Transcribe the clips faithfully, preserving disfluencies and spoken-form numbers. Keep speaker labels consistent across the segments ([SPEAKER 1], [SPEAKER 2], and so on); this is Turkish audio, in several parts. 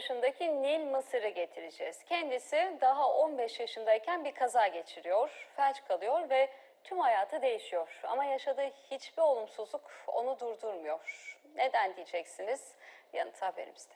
[SPEAKER 1] yaşındaki Nil Mısır'ı getireceğiz. Kendisi daha on beş yaşındayken bir kaza geçiriyor, felç kalıyor ve tüm hayatı değişiyor. Ama yaşadığı hiçbir olumsuzluk onu durdurmuyor. Neden diyeceksiniz? Yanıt haberimizde.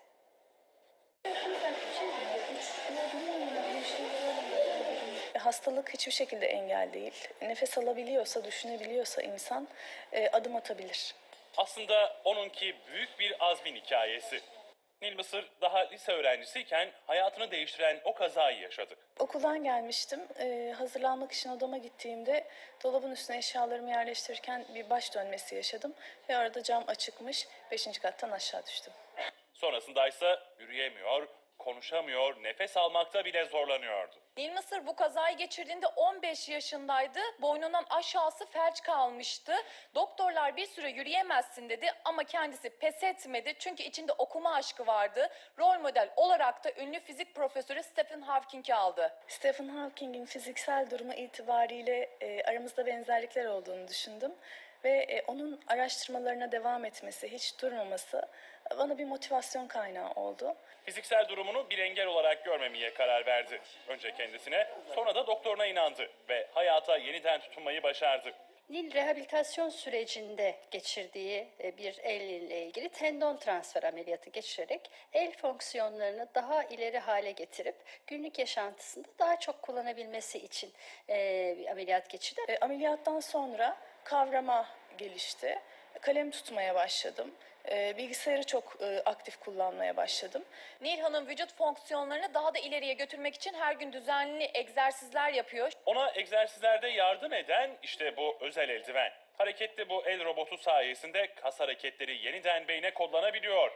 [SPEAKER 2] Hastalık hiçbir şekilde engel değil. Nefes alabiliyorsa, düşünebiliyorsa insan e, adım atabilir.
[SPEAKER 3] Aslında onunki büyük bir azmin hikayesi. Nil Mısır daha lise öğrencisiyken hayatını değiştiren o kazayı yaşadı.
[SPEAKER 2] Okuldan gelmiştim. E, hazırlanmak için odama gittiğimde dolabın üstüne eşyalarımı yerleştirirken bir baş dönmesi yaşadım. Ve arada cam açıkmış. Beşinci kattan aşağı düştüm.
[SPEAKER 3] Sonrasında ise yürüyemiyor, konuşamıyor, nefes almakta bile zorlanıyordu.
[SPEAKER 4] Nil Mısır bu kazayı geçirdiğinde on beş yaşındaydı. Boynundan aşağısı felç kalmıştı. Doktorlar bir süre yürüyemezsin dedi ama kendisi pes etmedi. Çünkü içinde okuma aşkı vardı. Rol model olarak da ünlü fizik profesörü Stephen Hawking'i aldı.
[SPEAKER 2] Stephen Hawking'in fiziksel durumu itibariyle e, aramızda benzerlikler olduğunu düşündüm. Ve e, onun araştırmalarına devam etmesi, hiç durmaması bana bir motivasyon kaynağı oldu.
[SPEAKER 3] Fiziksel durumunu bir engel olarak görmemeye karar verdi. Önce kendisine, sonra da doktoruna inandı ve hayata yeniden tutunmayı başardı.
[SPEAKER 5] Nil rehabilitasyon sürecinde geçirdiği bir el ile ilgili tendon transfer ameliyatı geçirerek el fonksiyonlarını daha ileri hale getirip günlük yaşantısında daha çok kullanabilmesi için bir ameliyat geçirdi.
[SPEAKER 2] E, ameliyattan sonra kavrama gelişti. Kalem tutmaya başladım. E, bilgisayarı çok e, aktif kullanmaya başladım.
[SPEAKER 4] Nil Hanım vücut fonksiyonlarını daha da ileriye götürmek için her gün düzenli egzersizler yapıyor.
[SPEAKER 3] Ona egzersizlerde yardım eden işte bu özel eldiven. Hareketli bu el robotu sayesinde kas hareketleri yeniden beyne kodlanabiliyor.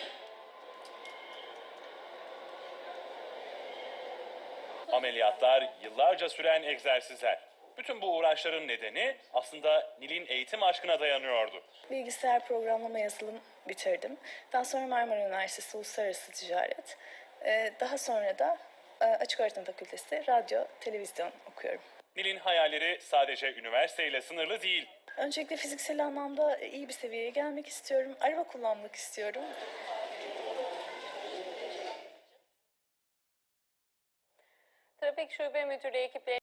[SPEAKER 3] Ameliyatlar, yıllarca süren egzersizler. Bütün bu uğraşların nedeni aslında Nil'in eğitim aşkına dayanıyordu.
[SPEAKER 2] Bilgisayar programlama yazılım bitirdim. Daha sonra Marmara Üniversitesi Uluslararası Ticaret. Ee, daha sonra da e, Açık Öğretim Fakültesi Radyo, Televizyon okuyorum.
[SPEAKER 3] Nil'in hayalleri sadece üniversiteyle sınırlı değil.
[SPEAKER 2] Öncelikle fiziksel anlamda iyi bir seviyeye gelmek istiyorum. Araba kullanmak istiyorum.
[SPEAKER 1] Trafik Şube Müdürlüğü ekipleri